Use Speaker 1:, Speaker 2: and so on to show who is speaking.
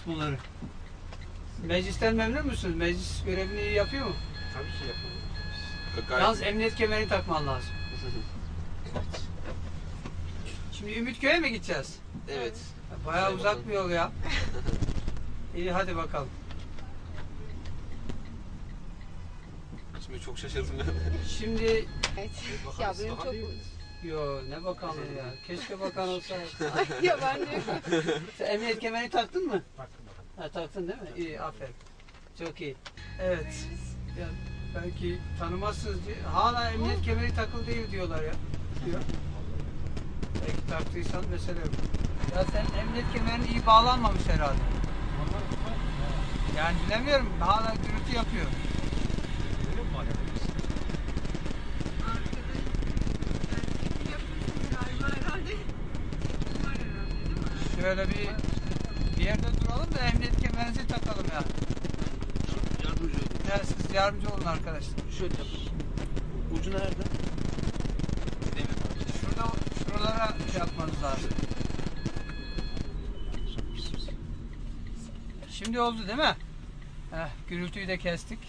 Speaker 1: Bunları. Meclisten memnun musunuz? Meclis görevini iyi yapıyor mu?
Speaker 2: Tabii ki yapalım.
Speaker 1: Yalnız emniyet kemerini takman lazım. Şimdi Ümitköy'e mi gideceğiz?
Speaker 2: Evet.
Speaker 1: Bayağı uzak bir yol ya. İyi hadi bakalım.
Speaker 2: Şimdi çok şaşırdım ben.
Speaker 1: Şimdi
Speaker 3: Evet. Ya benim çok...
Speaker 1: yo ne bakanlığı ya. Keşke bakan olsaydı.
Speaker 3: Ya ben de...
Speaker 1: Sen emniyet kemerini taktın mı?
Speaker 2: Taktım.
Speaker 1: Ha, taktın değil mi? İyi aferin. Çok iyi. Evet. Ya, belki tanımazsınız diye. Hala emniyet kemeri takılı değil diyorlar ya. Diyor. Belki taktıysan mesele yok. Ya sen emniyet kemerin iyi bağlanmamış herhalde. Yani bilemiyorum. Hala gürültü yapıyor. Şöyle bir yerde duralım da emniyet kemerinizi takalım ya.
Speaker 2: Yardımcı olun.
Speaker 1: Ya siz yardımcı olun arkadaşlar.
Speaker 2: Şöyle yapın. Ucu nerede?
Speaker 1: Şuralara şey yapmanız lazım. Şimdi oldu değil mi? Gürültüyü de kestik.